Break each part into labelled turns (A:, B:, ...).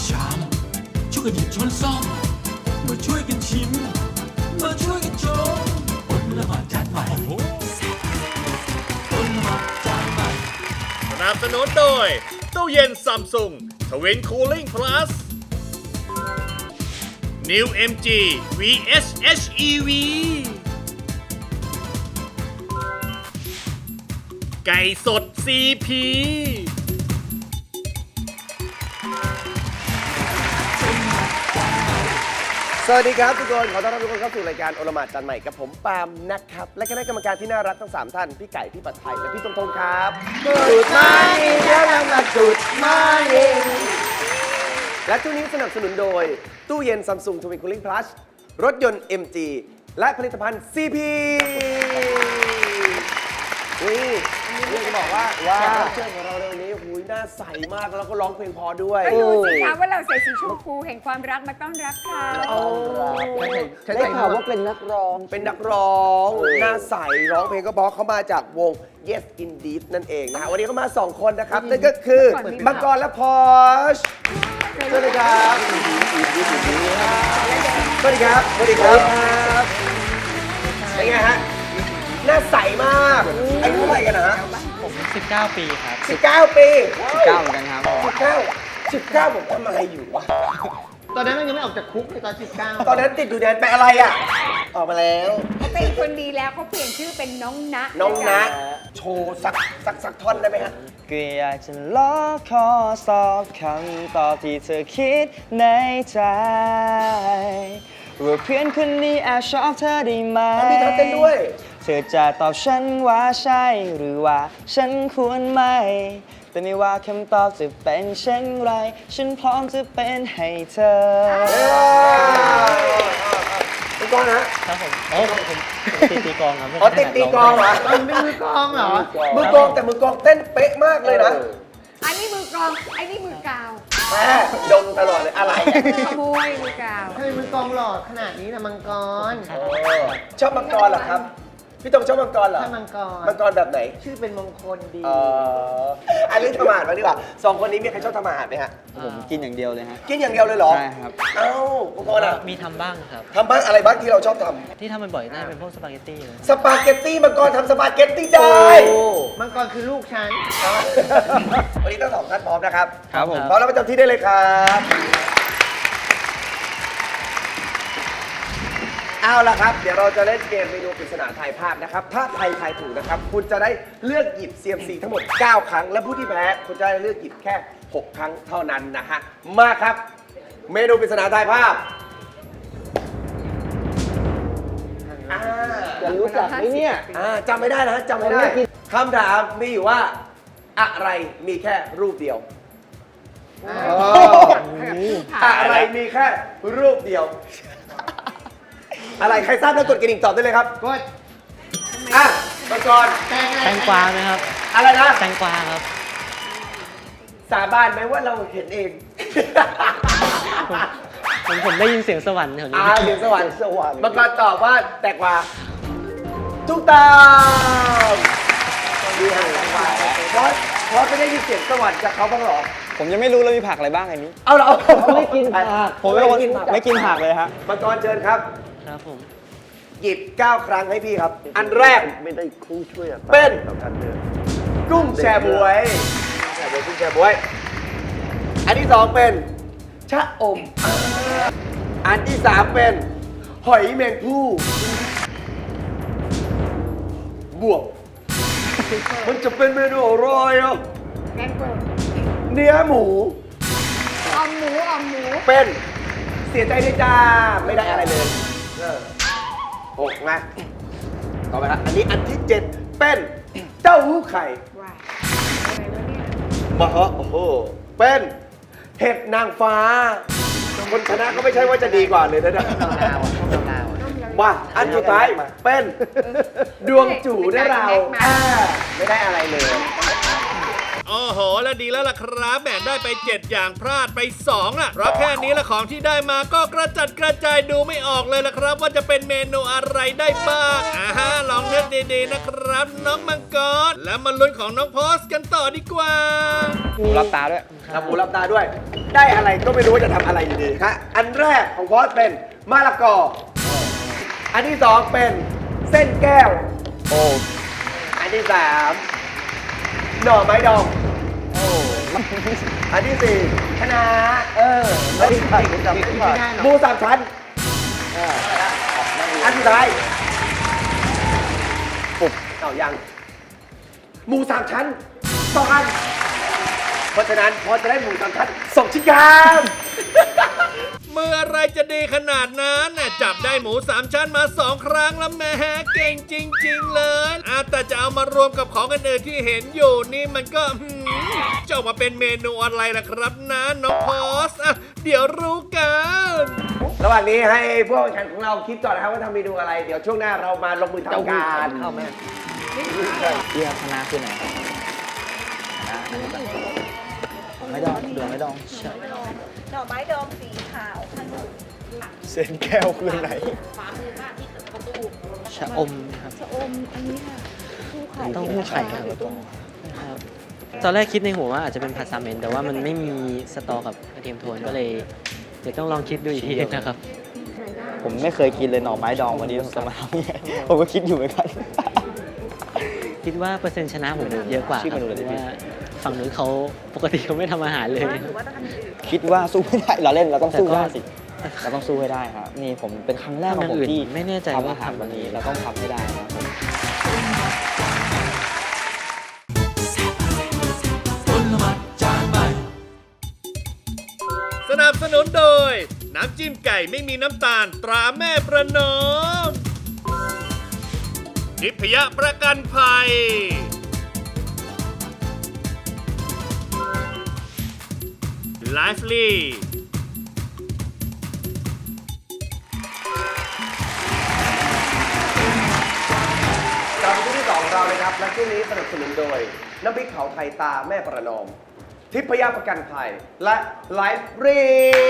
A: ชามช่วยกันหยิบช้อนซ่อมมาช่วยกันชิมมาช่วยกันชมอดละหมาดจานใหม่อดละหมาดจานใหม่
B: สนับสนุนโดยตู้เย็นซัมซุงทวินคูลิ่งพลัส New MG VS HEV ไก่สด CP
C: สวัสดีครับทุกคนขอต้อนรับทุกคนเข้าสู่รายการโอละหมาดจานใหม่กับผมปาล์มนะครับและคณะกรรมการที่น่ารักทั้ง3ท่านพี่ไก่พี่ปัดไทยและพี่ตงทงครับจุดมาแล้วมาจุดมาเองและช่วงนี้สนับสนุนโดยตู้เย็น Samsung Twin Cooling Plus รถยนต์ MG และผลิตภัณฑ์ CP เรื่องจะบอกว่าแขกรับเชิญของเราในวันนี้หูยหน้าใสมากแล้วก็ร้องเพลงพอด้วย
D: ก็ดูสิคะว่าเราใส่สีชมพูแห่งความรักมาต้อนรับเขา
C: ได้ข่าวว่าเป็นนักร้องหน้าใสร้องเพลงก็เพราะเขามาจากวง Yes Indeed นั่นเองนะฮะวันนี้เขามา2คนนะครับนั่นก็คือมังกรและพอชสวัสดีครับสวัสดีครับสวัสดีครับเป็นไงฮะหน้าใสมากอายุเท่าไหร่กันนะฮะ
E: ผม19 ปีครับ
C: 19 ปี
E: 19เหมือนกันครับผม
C: 19ผมทำอะไรอยู่วะ
F: ตอนนั้นมันยังไม่ออกจากคุกเลยตอน 19
C: ตอนนั้นติดอยู่แดนไปอะไรอ่ะออกมาแล้ว
D: เขาเป็นคนดีแล้วเขาเปลี่ยนชื่อเป็นน้องนะ
C: น้องนะโชว์สักท่อนได้ไหมฮะ
E: ก็อยากจะล้อขอสอบคำตอบที่เธอคิดในใจว่าเพื่อนคนนี้แอบชอบเธอได้ไหม
C: มีท่าเต้นด้วย
E: เธอจะตอบฉันว่าใช่หรือว่าฉันควรไม่ แต่ไม่ว่าคำตอบจะเป็นเช่นไร ฉันพร้อมจะเป็นให้เธอ
C: ตีกลองนะ
E: ครับผมผมตีกลองครับ
C: อ๋อติดตีกลองเหรอ
F: มันเป็นมือกลองเหรอ
C: มือกลองแต่มือกลองเต้นเป๊ะมากเลยนะ
D: อันนี้มือกรองอันนี้มือกาว
C: แม่ดมตลอดเลยอะไรอะ
D: ขโมยมือกาว
F: ทำไมมือกลองหล่อขนาดนี้นะมังกร
C: ชอบมังกรเหรอครับ พี่ตงชอบมังกรเหรอ
F: ชอบมังกร
C: มังกรแบบไหน
F: ชื่อเป็นมงคลดี
C: อันนี้ทำอาหารมาดีกว่า2คนนี้มีใครชอบทำอาหารไหมฮะ
E: ผมกินอย่างเดียวเลยฮะ
C: กินอย่างเดียวเลยเหรอ
E: ใช่ครับ
C: เอ้ามังกรอ่ะ
G: มีทำบ้างครับ
C: ทำบ้างอะไรบ้างที่เราชอบท
G: ที่ทำบ่อยๆน่าจะเป็นพวกสปาเกตตี้เลย
C: ำสปาเกตตี้มังกรทำสปาเกตตี้ได้
F: มังกรคือลูกฉัน
C: วันนี้ทั้งสองท่านพร้อมนะครับ
E: ครับผม
C: พร้อมแล้วประจำที่ได้เลยครับเอาละครับ เดี๋ยวเราจะเล่นเกมเมนูปริศนาทายภาพนะครับ ถ้าใครทายถูกนะครับ คุณจะได้เลือกหยิบ CMC ทั้งหมด 9 ครั้ง และผู้ที่แพ้คุณจะได้เลือกหยิบแค่ 6 ครั้งเท่านั้นนะฮะ มาครับ เมนูปริศนาทายภาพจะรู้จักไหมเนี่ยจำไม่ได้นะจำไม่ได้คำถามมีอยู่ว่า อะไรมีแค่รูปเดียว อะไรมีแค่รูปเดียว อะไรใครทราบแล้วกดกระดิ่งตอบได้เลยครับ
F: กด
C: อ่ะมังกร
G: แตงกวาไหมครับ
C: อะไรนะ
G: แตงกวาครับ
C: สาบานไหมว่าเราเห็นเอง
G: ผมได้ยินเสียงสวรรค์แถวนี้
C: เสียงสวรรค์มังกรตอบว่าแตกว่าถูกต้องดีฮะเพราะไม่ได้ยินเสียงสวรรค์จากเขาบ้างเหรอ
E: ผมยังไม่รู้เลยมีผักอะไรบ้างไอ้นี้
C: เอาเหรอ
E: ไม่กินผักผมไม่กินผักเลยฮะ
C: มังกรเชิญครับ
G: ครับผม
C: หยิบ 9 ครั้งให้พี่ครับ อันแรกไม่ได้คู่ช่วยเป็นกุ้งแชบวยกุ้งแชบวย อันที่ 2 เป็นชะอม อันที่ 3 เป็นหอยแมงภู่บวก มันจะเป็นเมนูอร่อยอ่ะ
D: แกงเปิด
C: เนื้อหมู
D: ออมหมูออมหมู
C: เป็นเสียใจด้วยจ้า ไม่ได้อะไรเลย6นะต่อไปครับอันนี้อันที่ 7 เป็นเต้าหู้ไข่
D: ว้ายอะไรวะเนี่ย
C: มาฮะโอ้โห เป็นเห็ดนางฟ้า คนชนะก็ไม่ใช่ว่าจะดีกว่าเลยนะมาอันสุดท้ายเป็นดวงจู่ได้เราไม่ได้อะไรเลย
B: อ้อโหแล้วดีแล้วล่ะครับแบ่งได้ไป 7 อย่างพลาดไป2อ่ะเพราะแค่นี้ละของที่ได้มาก็กระจัดกระจายดูไม่ออกเลยล่ะครับ ว่าจะเป็นเมนูอะไรได้บ้างลองเลือกดีๆนะครับน้องมังกรแล้วมาลุ้นของน้องพอสกันต่อดีกว่า
C: หูรับตาด้วยทำหูรับตาด้วย ได้อะไรก็ไม่รู้ว่าจะทำอะไรอยู่ดีครับอันแรกของพอสเป็นมะละกอ อันที่สองเป็นเส้นแก้ว โอ้ อันที่สามหน่อไม้ดอง โอ้ อันที่สี่คะน้าไม่ใช่จำไม่ได้หมูสามชั้นอันสุดท้ายปุ๊บเอายังหมูสามชั้น2 อัน เพราะฉะนั้นพอจะได้หมูสามชั้น2 ชิ้นครับ
B: เมื่อไรจะดีขนาดนั้นน่ะจับได้หมู3 ชั้นมา 2 ครั้งแล้วแหม่เก่งจริงๆเลยแต่จะเอามารวมกับของอื่นๆที่เห็นอยู่นี่มันก็จะออกมาเป็นเมนูอะไรล่ะครับนะน้องพอสเดี๋ยวรู้กัน
C: ระหว่างนี้ให้พวกแข่งของเราคิดก่อนนะครับว่าทำเมนูอะไร เดี๋ยวช่วงหน้าเรามาลงมือทำการเข้าแม่
E: เรียกคณะคือไหนไม่ดองเดือไม่ดอง
H: หน่อไม้ดองสีขาวขนม
C: เส้นแก้วคือไหน
H: ฟ้ามือมากที่สุดประตู
G: ชะอมครับ
H: ชะอมอันนี้ค่ะคู่ไข่
G: เต้าหู้ไข่ครับครับตอนแรกคิดในหัวว่าอาจจะเป็นผัดซาเมนแต่ว่ามันไม่มีสตอกับกระเทียมโทนก็เลยเดี๋ยวต้องลองคิดดูอีกทีนะครับ
E: ผมไม่เคยกินเลยหน่อไม้ดองวันนี้ผมจะมาทำยังไงผมก็คิดอยู่เหมือนกัน
G: คิดว่าเปอร์เซ็นต์ชนะผมเยอะกว่า
E: ชื่อ
G: ค
E: เม
G: รับ
E: นูอะไร
G: เพ
E: ที่
G: ราะว่าฝั่งนู้นเขาปกติเขาไม่ทำอาหารเลย
H: หรือว่าต้องทำอย่างอื่น
E: คิดว่าสู้ไม่ได้เราเล่นเราต้องสู้
G: แต่ก็
E: ได้สิเราต้องสู้ให้ได้ครับนี่ผมเป็นครั้งแรกของผมที่
G: ไม่แน่ใจ
E: ทำ
G: ว่า
E: อาหารวันนี้เราต้องทำให้ได้ครับผม
A: อลหม่านจานใหม่
B: สนับสนุนโดย น้ำจิ้มไก่ไม่มีน้ำตาลตราแม่ประนอมทิพยประกันภัยไลฟ์ลี
C: กลับมาที่ที่2ของเราเลยครับ และช่วงนี้สนับสนุนโดย น้ำพริกเผาไทยตาแม่ประนอม ทิพยประกันภัย และไลฟ์รี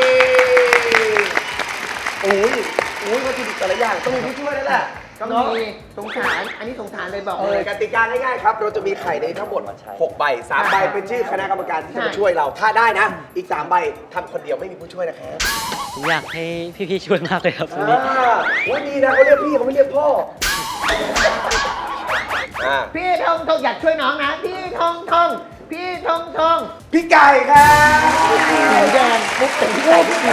C: อุ้ยวัตถุดิบแต่ละอย่างต้องมีผู้ช่วยนั่นแหละ
F: ต้องมีสงสาร อันนี้สงสารเลยบอกเลย
C: กติกาง่ายๆครับ เราจะมีไข่ในทั้งหมด6 ใบ 3 ใบเป็นชื่อคณะกรรมการที่จะมาช่วยเรา ถ้าได้นะ อีก 3 ใบทำคนเดียวไม่มีผู้ช่วยนะครับ
G: ผมอยากให้พี่ๆช่วยมากเลยครับวันนี้
C: วันนี้นะเขาเรียกพี่เขาไม่เรียกพ่อ
F: พี่ทงทงอยากช่วยน้องนะ พี่ทงทงพี่ทงทง
C: พี่ไก่ครับ
F: ไก่แดงปุ๊บเป็นพี่ไก่พี่ไก่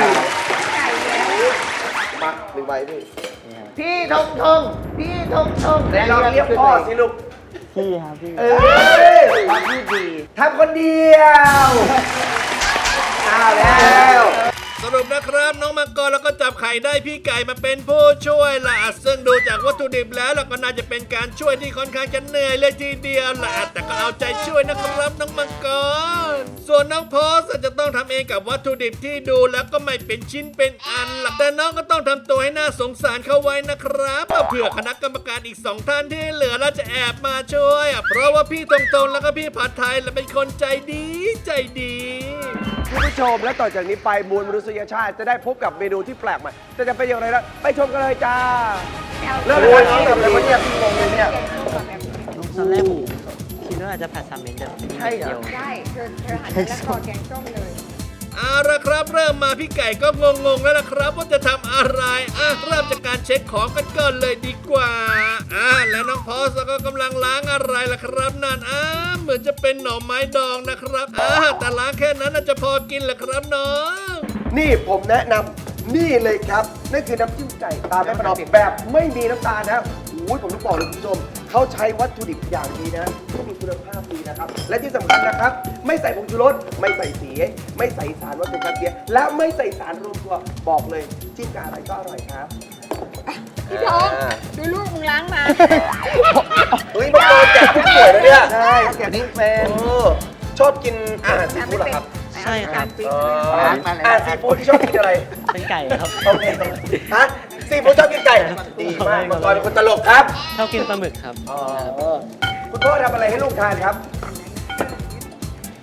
C: มา1 ใบพี่
F: พี่ทงทงพี่ทงทง
C: แต่เราเรียกพ่อสิลูก
E: พี่ครับพี่
C: ความพูดดีทำคนเดียวเอาแล้ว
B: สรุปนะครับน้องมังกรแล้วก็จับไข่ได้พี่ไก่มาเป็นผู้ช่วยล่ะซึ่งดูจากวัตถุดิบแล้วเราก็น่าจะเป็นการช่วยที่ค่อนข้างจะเหนื่อยเลยทีเดียวล่ะแต่ก็เอาใจช่วยนะครับน้องมังกรส่วนน้องโพสจะต้องทำเองกับวัตถุดิบที่ดูแล้วก็ไม่เป็นชิ้นเป็นอันล่ะแต่น้องก็ต้องทำตัวให้น่าสงสารเข้าไว้นะครับเผื่อคณะกรรมการอีก2 ท่านที่เหลือแล้วจะแอบมาช่วยเพราะว่าพี่ตรงๆแล้วก็พี่ผัดไทยและเป็นคนใจดีใจดี
C: คุณผู้ชมและต่อจากนี้ไปมวลมนุษยชาติจะได้พบกับเมนูที่แปลกใหม่แต่จะเป็นอย่างไรนะไปชมกันเลยจ้าเริ่มเลยครับแบบอะไรเนี่ยพี่งงเลยเนี่ย
G: ตอนแรกผมคิดว่าอาจจะผัดซาเมนแต่เป็นนิดเดียว
D: ได้เธอหันไปแล้วคอแกงส้มเลย
B: เอาละครับเริ่มมาพี่ไก่ก็งงๆแล้วล่ะครับว่าจะทำอะไรเริ่มจากการเช็คของกันก่อนเลยดีกว่าและน้องพอสก็กำลังล้างอะไรล่ะครับนั่นเหมือนจะเป็นหน่อไม้ดองนะครับแต่ล้างแค่นั้นน่าจะพอกินแหละครับน้อง
C: นี่ผมแนะนำนี่เลยครับนั่นคือน้ำจิ้มไก่ตาแม่ประนอมแบบไม่มีน้ำตาลนะโอ้ยผมต้องบอกเลยคุณผู้ชมเขาใช้วัตถุดิบอย่างดีนะที่มีคุณภาพดีนะครับและที่สำคัญนะครับไม่ใส่ผงชูรสไม่ใส่สีไม่ใส่สารวัตถุกันเสียและไม่ใส่สารรวมตัวบอกเลยจิ้มกับอะไรก็อร่อยครับ
D: พี่ทองดูลูกมึงล้างมา
C: เฮ้ยมาโดนแจกผู้ป่วยแล้วเนี่ยใช่แจกนี่เป็นชอบกินอาหารซีฟู้ดเหรอครับ
G: ใช่ครับ
C: อาหารซีฟู้ดที่ชอบกินอะไร
G: เป็นไก่ครับ
C: โอเคฮะซีฟู้ดชอบกินไก่ดีมากมังกรเป็นคนตลกครับ
G: ชอบกินปลาหมึกครับ
C: คุณพ่อทำอะไรให้ลูกทานครับ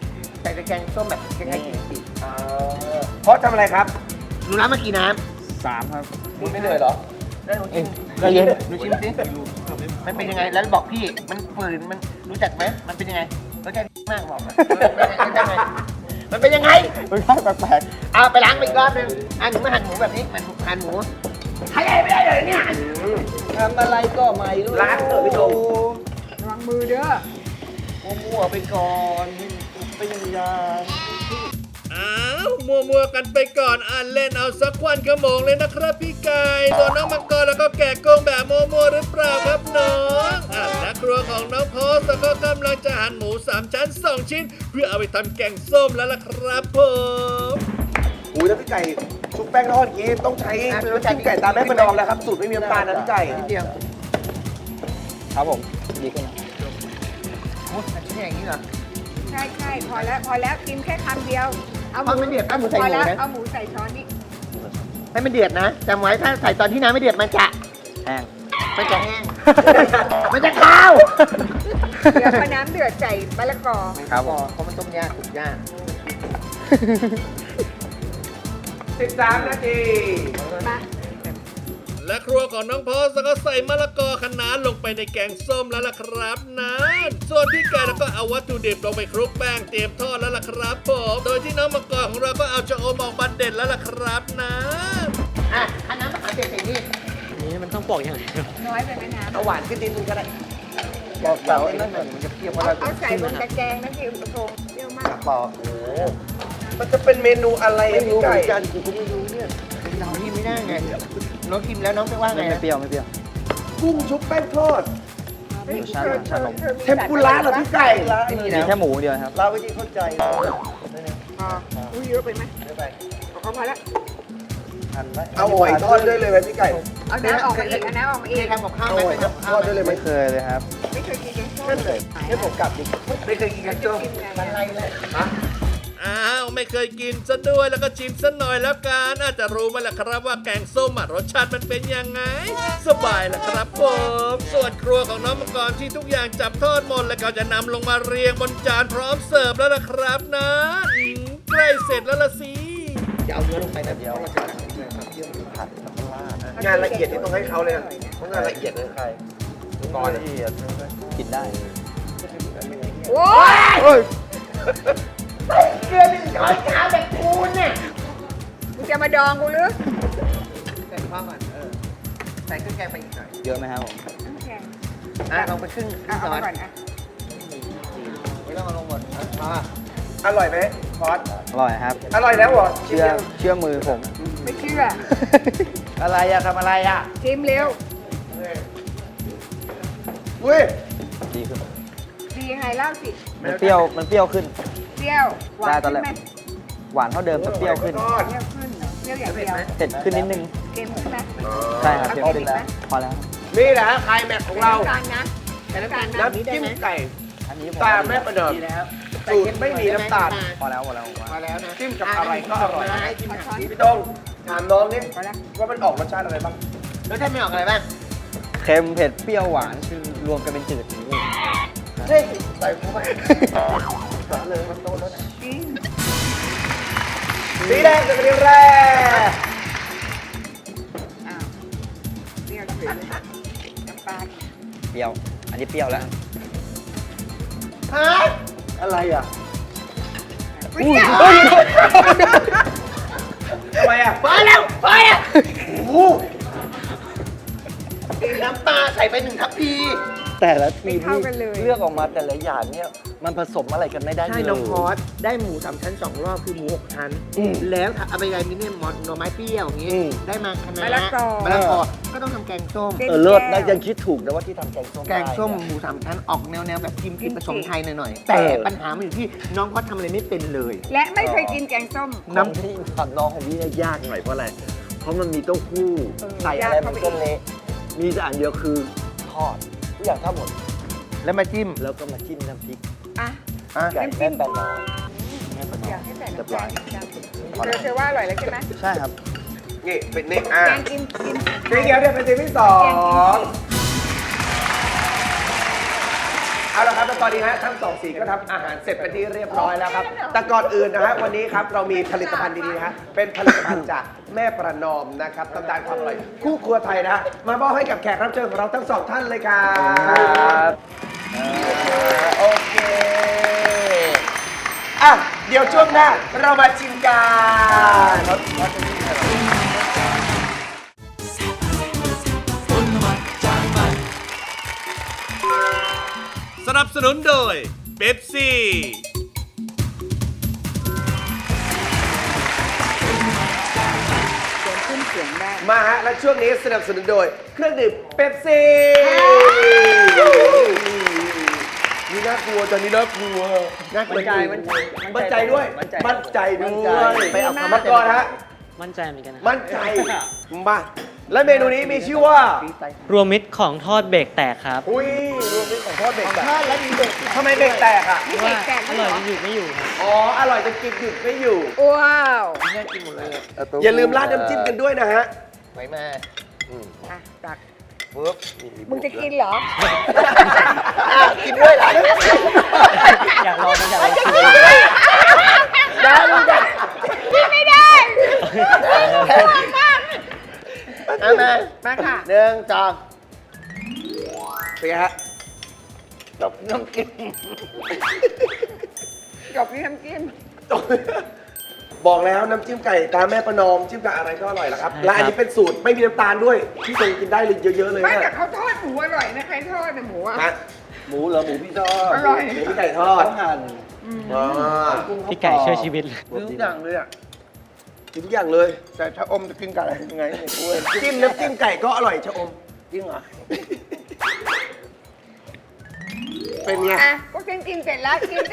F: ใส่แกงส้มแบบคล้ายๆกิมจิ
C: เพราะทำอะไรครับ
F: หนูน้ำมากี่น้
E: 3 ครับ
C: คุณไม่เหนื่อยเหรอ
F: ำแล้วหนูชิม
E: ก็เย็น
F: หนูชิมสิมันเป็นยังไงแล้วบอกพี่มันฝืนมันรู้จักไหมมันเป็นยังไงรสชาติมากบอกมามันเป็นยังไง
E: มันค่แปลก
F: เอาไปล้างไปอีกรอบนึงหนูมาหั่นหมูแบบนี้มันหั่นหมูใช้อะไรไม่ได้เลยเนี่ย
E: ๆทำอะไรก็ไม่รู้
C: ล้างเถอะพี่โดม
D: ระวังมือเด้อ
E: มั่วๆไปก่อนเป็นยา
B: อ้าวมัวๆกันไปก่อนเล่นเอาสักวันขโมงเลยนะครับพี่ไก่ส่วนน้องมังกรแล้วก็แกะกุ้งแบบมัวๆหรือเปล่าครับน้องและครัวของน้องโพสก็กำลังจะหั่นหมู3ชั้น2ชิ้น เพื่อเอาไปทำแกงส้มแล้วล่ะครับผม
C: อุ้ยแล้วพี่ไก่ชุบแป้งทอดอย่างงี้ต้องใช้พี่ไก่ตามแม่ประนอมแล้วครับสูตรไม่มีน้ำตาลนะพี่ไก่
F: นิดเดียว
E: ครับผมดีขึ้นนะ
F: โอ้ยชิ้นอย่างนี้เหรอ
D: ใช่ใช่พอแล้วกินแค่คำเดียว เอาห
F: เอาไม่เดือดเอาหมูใส่หมู
D: พอแล้ว
F: นะ
D: เอาหมูใส่ช้อนนี่
F: ให้มันเดือดนะจำไว้ถ้าใส่ตอนที่น้ำไม่เดือดมันจะ
E: แห้ง
F: มันจะแห้ง มันจะคาว
D: เดี๋ยวพอน้ำเดือดใส่มะละกอ
E: ครับผม
F: เพราะมันต้มยากสุกยาก
C: 13 นาที
D: มา
B: และครัวของน้องโพสก็ใส่มะละกอคะน้าลงไปในแกงส้มแล้วล่ะครับนะส่วนพี่ไก่แล้วก็เอาวัตถุดิบลงไปคลุกแป้งเตรียมทอดแล้วล่ะครับผมโดยที่น้องมังกรของเราก็เอาชะอมออกมาเด็ดแล้วล่ะครับนะ
F: อ่ะอันน้ำมะขามเปียกใส่นี่
G: อันนี้มันต้องปอกอย่างเดียว
D: น้อยไปไหมน้ำ
C: เอาหวานขึ้นนิดนึงก็ได้บอกเสาไอ้นั่นหน่อยมันจะเปรี้ยวเพราะเรา
D: เอาใส่บนตะแกรงนะพี่อุปงเปรี้ยวมาก
C: ปอกมันจะเป็นเมนูอะไรอะพี่ไก่กันกูก็ไม่รู้เนี่ย
F: เรากินไม่ได้ไงน้องกินแล้วน้องจะว่าไง
E: ไม่เปรี้ยวไม่เปรี้ยว
C: กุ้งชุบแป้งทอด
D: เฮ้ย
E: ชาลงชาลง
D: ธอมี
C: เทมปุระเหรอพี่ไก่
F: ไม่มี
E: มี
F: แล้ว
E: แค่หมูเดียวครับ
C: เราไม่ได้เข้าใจ
D: พออุ้ยเยอะไปไหมเอาพอแล้ว
C: เอาหอยทอดด้วยเลยไหมพี่ไก่
D: เอาน้ำออกมาอีกเอาน้ำออกมาอี
F: เค
D: ก
F: ยทำกับข้าว
C: เอา
F: ไหม
C: หอย
F: เคยทำกับ
C: ท
F: ข้าว
C: อด
F: ไหม
C: ด้วยเลยไหม
E: ไม่เคยเลยครับ
D: ไม่เคยกินแกงส้ม
C: นั่นเลยให้ผมกลับดิ
F: ไม่เคยกินกันจ้มมันไรเลย
B: อ้าวไม่เคยกินซะด้วยแล้วก็ชิมซะหน่อยแล้วกันอาจจะรู้ไหมล่ะครับว่าแกงส้มรสชาติมันเป็นยังไง สบายละครับผมส่วนครัวของน้องมังกรที่ทุกอย่างจับทอดหมดแล้วก็จะนำลงมาเรียงบนจานพร้อมเสิร์ฟแล้วล่ะครับนะใกล้เสร็จแล้วล่ะสิ
F: อย่าเอาเนื้อลงไปนะเดี๋ยว
C: งานละเอียดที่ต้องให้เขาเลยอะเพราะงานละเอียดเลยใครก่อนละเอียด
E: กินได้
D: โอ้ย
F: เกลือ1 ช้อนชาแบบคูณเนี่ย
D: มึงจะมาดองกูหรือ
F: ใส่ข้าวก่อนใส่เครื่องแกงไปอีกหน่อย
E: เยอะไหมครับผม
D: น้ำแข็ง
F: ลองไปครึ่ง
D: เอา
F: ช้อ
D: มาน ก่อนอ่ะ
F: ไม่ต้องเอาลงหมด
C: อร่อยไหมพอส
E: อร่อยครับ
C: อร่อยแล้วเหรอ
E: เชื่อมือผม
D: ไม่เชื่อ
C: อะไรอะทำอะไรอะ
D: ชิมเร็ว
C: อุ้ย
E: ดีขึ้น
D: ดียังไงเล่าสิ
E: มันเปรี้ยวขึ้น
D: เปรี้ยวหวาน
E: ได้ตอน
D: ขึ้น
E: แรก
D: ไหม
E: หวานเท่าเดิมแต่เปรี้ยวขึ้น
D: เปรี้ยวขึ้นเหรอเปรี้ยวอย่างเดียว
E: เผ็ดขึ้นนิดนึง
D: เค็มขึ้นไหม
E: ใช่ครับ
D: เอา
E: เผ็ด
D: เผ็
E: ขึ้
D: ด
E: น
D: อีก
E: แล้ว
D: ไหม
E: พอแล้ว
C: นี่แหละไคลแม็กซ์ของเรา
D: น้ำตาลนะ
F: แต่น้ำตาล
C: น้ำจิ้มไก่
E: อันนี้
C: ตาแม่ประเดิม
F: ดีแล้ว
C: สูตรไม่มีน้ำตาล
E: พอแล้วผมว่า
F: พอแล้วนะ
C: จิ้มกับอะไรก็อร่อย
F: ให้จิ้มกับ
C: พี่ต้องถามน้องนี่
D: พอแล้ว
C: ว่ามันออกรสชาติอะไรบ้าง
F: รสชาติไม่ออกอะไรบ้าง
E: เค็มเผ็ดเปรี้ยวหวานคือรวมกันเป็นจืดอย่างนี้
C: เฮ้ยใส่เข้าไปเลยมันโตแล้วนะ
D: จริง
C: สีแดงเป็นสีแรก
D: อ้าวเปรี้ยวเฉยเลยน้ำปลา
E: เปรี้ยว อันนี้เปรี้ยวแล้ว
F: ฮะ
C: อะไรอ่ะ
D: เปรี้ยว
C: ทำไมอ่ะ
F: พอแล้วน้ำปลาใส่ไป1 ทัพพี
E: แต่ละที
D: ไม่
E: ม
D: เข้ากันเลย
E: เลือกออกมาแต่ละอย่างเนี่ยมันผสมอะไรกันไม่ได้เลย
F: ใช่น้องพอสได้หมู3 ชั้น 2 รอบคือหมู 6 ชั้น แล้วเอาไปอะไรมิเนี่ยหน่อไม้เปรี้ยวอย่างงี้ ได้มาคะน้าม
D: ะละกอ
F: มะละกอก็ต้องทำแกงส้ม
E: เลิศนะยังคิดถูกนะว่าที่ทำแกงส้ม
F: แกงส้ม
E: ได้
F: หมู3 ชั้นออกแนวแบบกิมจิผสมไทยหน่อยๆ แต่ปัญหามันอยู่ที่น้องพอสทำอะไรไม่เป็นเลย
D: และไม่เคยกินแกงส้ม
E: น้ำที่ทำน้องของพี่เนี่ยยากหน่อยเพราะอะไร เพราะมันมีเต้าหู้
D: เออ
E: ใส่อะไรมันก็เละมีแต่อันเดียวคือทอดทุกอย่างทอดหมด
F: แล้วมาจิ้ม
E: แล้วก็มาจิ้มน้ำพริก
D: อ่ะ
E: ไก่
D: น้ำจิ้
E: แม่
D: ม
E: แปนน้อยแม่แปนน้อย
D: อยากให้ใส่
E: เรียบ
D: น้ำ
E: ร้
D: ตา
E: อย
D: ลเธอว่าอร่อยแล้วใช่ไหม
E: ใช่ครับ
C: นี่เป็นนี่อ่ะ
D: แกงกิน
C: สีเขียวเนี่ยเป็นสีที่สอง
D: แ
C: เอาละครับแล้วตอนนี้ฮะทั้งสองสีก็ทำอาหารเสร็จเป็นที่เรียบร้อยแล้วครับ แต่ก่อนอื่นนะฮะวันนี้ครับเรามีผลิตภัณฑ์ดีๆนะฮะเป็นผลิตภัณฑ์จากแม่ประนอมนะครับตำนานความอร่อยคู่ครัวไทยนะฮะมามอบให้กับแขกรับเชิญของเราทั้งสองท่านเลยครับโอเคอ่ะเดี๋ยวช่วงหน้าเรามาชิมกัน
B: สนับสนุนโดยเป๊ปซี่
D: เสียงขึ้นเสียงได้
C: มาฮะและช่วงนี้สนับสนุนโดยเครื่องดื่มเป๊ปซี่นี่น่ากลัวตอนนี้น่ากลัวน่ากลัวมั่นใจด้วย มั่นใจด้วยไปเอาคำมาก่อนฮะ
G: มั่นใจเหมือนกันนะ
C: มั่นใจมาและเมนูนี้มีชื่อว่าร
G: วมมิตรของทอดเบรกแตกครับ
C: อุ้ยรวมมิตรของทอดเบรกแตกแล้วมีเบรกทำไมเบรกแตกอ่ะ
D: นี่เด็กแตก
G: อร่อยจนหยุดไม่อยู่ครับ
C: อ๋ออร่อยจนกินหยุดไม่อยู่
D: ว้าว
C: อย่าลืมราดน้ำจิ้มกันด้วยนะฮะ
F: ไหวมา
D: อ่ะตัก
F: ปุ๊บ
D: มึงจะกินเหรอ
F: กินด้วยเหรอ
G: อยากลองมันอยากลองชิม
F: ได้ลูกได้
D: กินไม่ได้มาก
F: เอามา
D: มาค่ะ
F: หนึ่งสอง
C: เป็นไงฮะ
F: ตบน้ำกิน
D: จบที่น้ำจิ้ม
C: บอกแล้วน้ำจิ้มไก่ตาแม่ประนอมจิ้มกับอะไรก็อร่อยแล้วครับและอันนี้เป็นสูตรไม่มีน้ำตาลด้วยที่ตรงกินได้เลยเยอะๆเลย
D: ไม่
C: นะ
D: แต่เขาทอดหมูอร่อยนะใครทอดนะหมูอ่ะ
C: ฮะหมูเหรอหมูพี่ทอด
D: อร่อย
C: หมูพี่ไก่ทอดหั่น
G: พี่ไก่ช่วยชีวิตเลย
F: ทุกอย่างเลยอ่ะ
C: กินทุกอย่างเลย
F: แต่ถ้าอมจะกินกับอะไรยังไงเนี่ยกู
C: จิ้มน้ำจิ้มไก่ก็อร่อยชะอม
F: จริงเหรอ
C: เป็นไง
D: อ่ะก็กินเสร็จแล้วกินสิ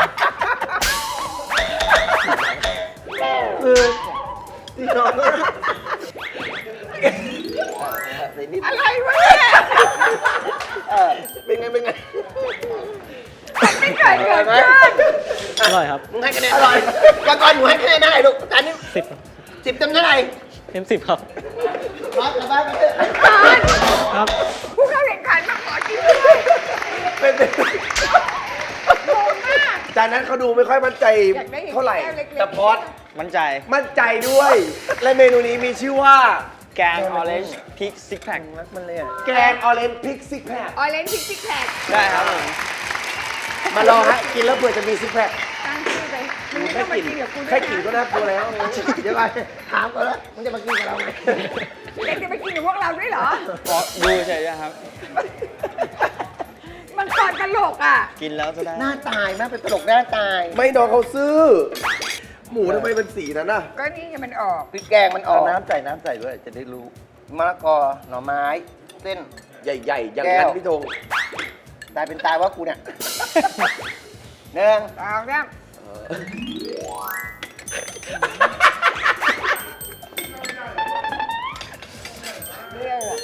C: ที่นอน
D: อะไรวะเนี่ย
C: เป็นไงเป็นไง
D: ไม่เคยเกิดขึ้น
G: อร่อยครับ
F: มึงให้คะแนนอร่อยก่อนหนูให้คะแนนได้ลูกแต่อันนี้
G: 10
F: 10เต็มเท่าไหร่
G: เต็ม 10 ครับ
F: ร้อยกลับบ้านกันเถอะ
G: ครับ
D: ผู้เข้าแข่งขันมาขอกินด้วย
C: เป็นเป็น
D: โกงมาก
C: จากนั้นเขาดูไม่ค่อยมั่นใจ
D: อยากได้อย่างนี้
C: เท่าไหร่
D: แก้วเล็กๆ
C: แต่พอด
E: มั่นใจ
C: มั่นใจด้วย และเมนูนี้มีชื่อว่า
E: แกงออเรนจ์พริกซิกแพค
F: รักมันเลยอ่ะ
C: แกงออเรนจ์พริกซิกแพค
D: ออเรนจ์ซิกแพค
E: ได้ครับผม
C: มาลองฮะกินแล้วเผื่อจะมีซิกแพค
D: ตั้งชื่อไปมึงไม่ต้องมากินกับกูด้ว
C: แค่
D: ย
C: กลิ่นก็
D: นะ
C: น่ากลัวแล้ว
F: เดี๋ยวก่อนถามก่อนแล้วมึงจะมากินกับเราไหม
D: เด็กจะไปกินกับพวกเราด้วยเหรอ
E: ขอดูเฉยๆครับ
D: มันก่อนตลกอ่ะ
E: กินแล้วจะได้
F: หน้าตายมากเป็นตลกหน้าตาย
C: ไม่น้องเขาซื่อ หมูทำไมเป็นสีนั้นน่ะ
D: ก็นี่ไงมันออก
F: พริกแกงมันออกน้ำใส่ด้วยจะได้รู้มะละกอหน่อไม้เส้น
C: ใหญ่ๆ อย่างนั้น
F: แก้ว
C: พี่ธง
F: ตายเป็นตายว่ากูเนี่ยหนึ่ง
D: ตองแล้วเรื่องอะ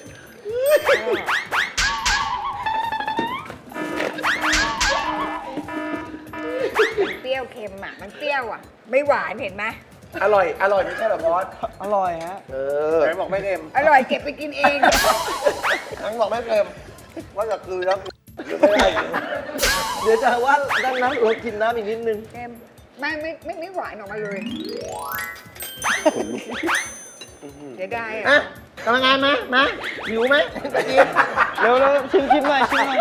D: เปรี้ยวเค็มอ่ะ มันเปรี้ยวอ่ะ ไม่หวานเห็นไหม
C: อร่อยไม่ใช่เหรอพอด
E: อร่อยฮะ
C: เออ
F: ไหนบอกไม่เค็ม
D: อร่อยเก็บไปกินเอง
F: ไหนบอกไม่เค็มว่าจะคือแล้ว
C: เดี๋ยวจะว่าดังนั้นเรากินน้ำอีกนิดนึง
D: เค็มไม่หวานออกมาเลยเดี๋ยวได้
F: อ่ะ
D: อ่ะ
F: กำลังงานมาหิวไหมตะกี้
E: เร็วๆชิมหน่อยชิมหน่อย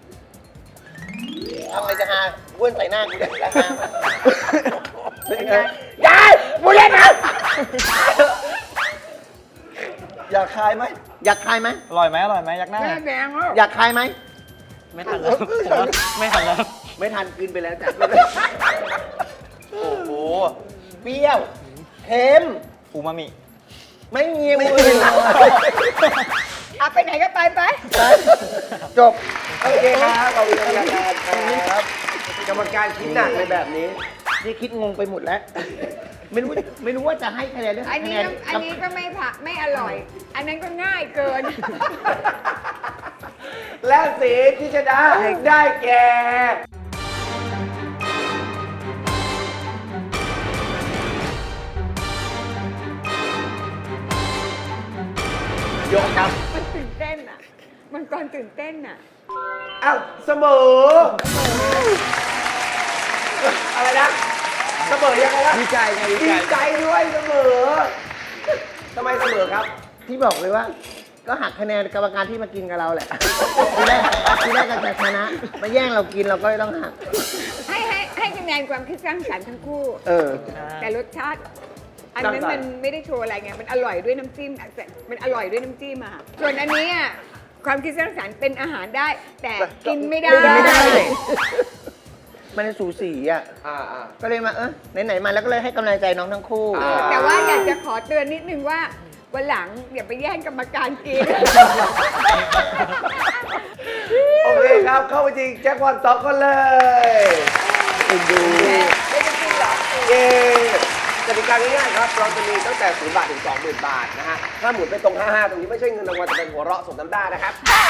F: ทำอะไรจะหาว้วนใส่หน้ากูเนี่ยจะหา
C: เป็นไง
F: ยายกูเล่นนะ
C: อยากคายไหม
F: อยากคายไหม
E: อร่อยไหมยักหน้า
D: แม่แดงแล้ว
F: อยากคายไหม
G: ไม่ทันแล้วผมว่าไม่ทันแล้ว
F: ไม่ทันกินไปแล้วจ้ะโอ้โหเปรี้ยวเค็ม
E: อูมามิ
F: ไม่มีมืออื่น
D: เอาไปไหนก็ไป
F: จบ
C: โอเคครับขอบคุณกรรมการครับกรรมการคิดหนักในแบบนี้
F: นี่คิดงงไปหมดแล้ว ไม่รู้ว่าจะให้คะแนนเรื่อง
D: อันนี้
F: คะแน
D: อันนี้ก็ไม่ผักไม่อร่อย อันนั้นก็ง่ายเกิน
C: และสีที่ชนะได้แก่ยกครับ
D: มันตื่นเต้นอ่ะ มันก่อนตื่นเต้นอ่ะ
C: อ้าวเสมอ อะไรนะ เสมอยังไงวะ
F: ดีใจไง
C: ดีใจด้วยเสมอทำไมเสมอครับ
F: ที่บอกเลยว่า ก็หักคะแนนกรรมการที่มากินกับเราแหละ ทีแรกกันจะชนะ มาแย่งเรากินเราก็เลยต้องหัก
D: ให้คะแนนความคิดสร้างสรรค์ทั้งคู่ แต่รสชาติ อันนั้นมันไม่ได้โชว์อะไรไง มันอร่อยด้วยน้ำจิ้มมันอร่อยด้วยน้ำจิ้มอะส่วนอันนี้อะความคิดสร้างสรรค์เป็นอาหารได้ แต่กินไม่ได้
F: ไม่ได้ มันสูสีอ่ะ
C: อ่า
F: ก็เลยมาไหนๆมาแล้วก็เลยให้กำลังใจน้องทั้งคู่
D: แต่ว่าอยากจะขอเตือนนิดนึงว่าวันหลังอย่าไปแย่งกรรมการกิน
C: โอเคครับ เข้าไปจริงแจ็คพอต2คนเลยดูเย้กติกาง่ายๆครับ เราจะมีตั้งแต่0 บาทถึง 20,000 บาทนะฮะ ถ้าหมุนไปตรง 55 ตรงนี้ไม่ใช่เงินรางวัลแต่เป็นหัวเราะสมน้ำหน้านะครับ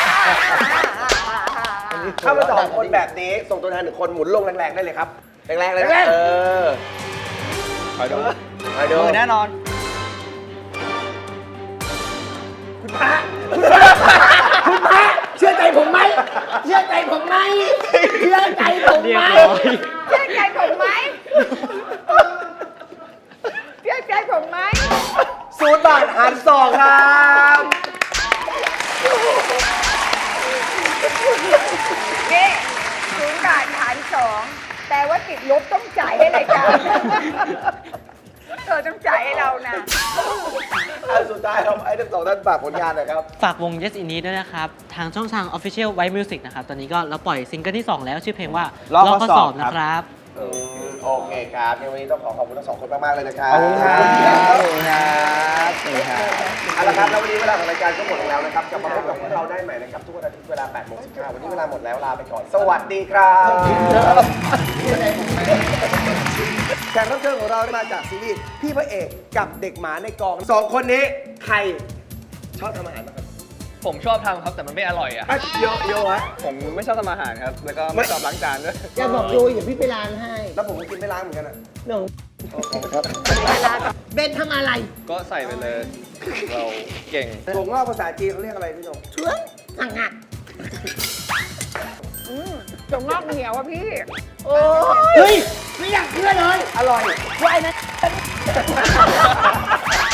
C: ถ้ามา2 คนแบบนี้ ส่งตัวแทน1 คนหมุนลงแรงๆได้เลยครับ แรงๆเลยนะคอยดูคอยดู
E: แน่นอน
C: คุณพระ
F: เชื่อใจผมไหม เชื่อใจผมไหม เชื่อใจผมไหม
D: เชื่อใจผมไหมเชื่อใจผมไหม
C: 0 บาทหาร 2 ครับ
D: นี่0 บาทหาร2แต่ว่าติดลบต้องจ่ายให้รายการต้องจ่ายให้เรานะ
C: อันสุดท้ายครับไอ้ทั้ง 2 ท่านฝากผลงานหน่อยครับ
G: ฝากวง Yes In Need ด้วยนะครับ ทางช่องทาง Official White Music นะครับ ตอนนี้ก็เราปล่อยซิงเกิลที่ 2 แล้วชื่อเพลงว่า
E: ลอกข้อสอบ
G: นะครับ
C: โอเคครับในวันนี้ต้องขอบคุณทั้ง 2 คนมาก ๆ เลยนะครับ
E: ขอบคุณครับ
C: ขอบคุณครับเอาละครับแล้ววันนี้เวลาของรายการก็หมดลงแล้วนะครับกลับมาพบกับพวกเราได้ใหม่นะครับทุกวันอาทิตย์เวลา 8:15 วันนี้เวลาหมดแล้วลาไปก่อน สวัสดีครับแขกรับเชิญของเรามาจากซีรีส์พี่พระเอกกับเด็กหมาในกอง 2 คนนี้ใครชอบทำอาหารบ้างครับ
E: ผมชอบทำครับแต่มันไม่อร่อยอ่ะ
C: โยฮะ
E: ผมไม่ชอบทำอาหารครับ แล้วก็ไม่ชอบล้างจานด้วย
F: อย่าบอกโยอย่าพี่ไปล้างให้
C: แล้วผมก็กินไม่ล้างเหมือนกันอ่ะ
F: หนู
C: ครับ
F: เบนทำอะไร
E: ก็ใส่ไปเลย เราเก่ง
C: ถั่วงอกภาษาจีนเขาเรียกอะไรพี่หนง
F: เชื่อสั่งหัก
D: จงงอกเหนียวอะพี่
F: เฮ้ย ไม่อยากเชื่อเลย
C: อร่อย
F: ว่าไอ้นั้น